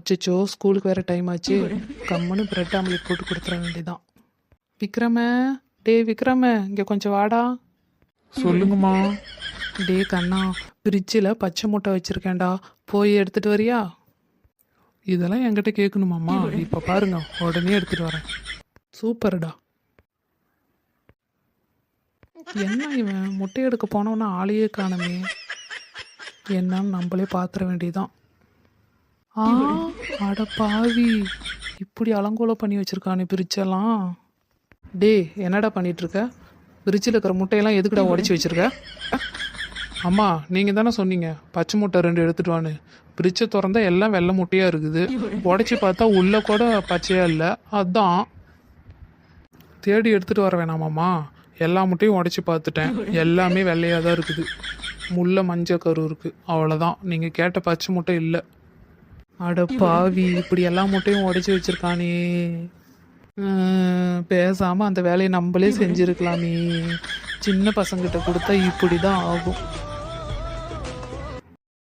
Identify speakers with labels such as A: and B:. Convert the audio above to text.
A: அச்சச்சோ ஸ்கூலுக்கு வேறு டைம் ஆச்சு. கம்முன்னு பிரெட் ஆம்லேட் போட்டு கொடுத்துட வேண்டியதான். விக்ரம, விக்ரம இங்கே கொஞ்சம் வாடா.
B: சொல்லுங்கம்மா.
A: கண்ணா, ஃப்ரிட்ஜில் பச்சை முட்டை வச்சுருக்கேன்டா, போய் எடுத்துகிட்டு வரியா?
B: இதெல்லாம் என்கிட்ட கேட்கணுமாம்மா? இப்போ பாருங்க, உடனே எடுத்துகிட்டு வரேன்.
A: சூப்பர்டா. என்ன இவன் முட்டை எடுக்க போனவனா ஆளையே காணுமே. என்னன்னு நம்மளே பார்த்துட வேண்டியதான். அட பாவி, இப்படி அலங்கோலம் பண்ணி வச்சுருக்கானே பிரிச்செல்லாம். என்னடா பண்ணிகிட்ருக்க? ஃப்ரிட்ஜில் இருக்கிற முட்டையெல்லாம் எதுக்குடா உடச்சி வச்சுருக்க?
B: அம்மா, நீங்கள் தானே சொன்னீங்க பச்சை முட்டை 2 எடுத்துட்டு வான்னு. ஃப்ரிட்ஜை திறந்தா எல்லாம் வெள்ளை முட்டையாக இருக்குது. உடச்சி பார்த்தா உள்ளே கூட பச்சையாக இல்லை. அதான் தேடி எடுத்துகிட்டு வர வேணாமாம்மா? எல்லா முட்டையும் உடச்சி பார்த்துட்டேன், எல்லாமே வெள்ளையாக தான் இருக்குது. முள்ள மஞ்சள் கரு இருக்குது, அவ்வளோதான். நீங்கள் கேட்ட பச்சை முட்டை இல்லை.
A: அட பாவி, இப்படி எல்லா முட்டையும் உடச்சி வச்சுருக்கானே. பேசாமல் அந்த வேலையை நம்மளே செஞ்சுருக்கலாமே. சின்ன பசங்கிட்ட கொடுத்தா இப்படி தான் ஆகும்.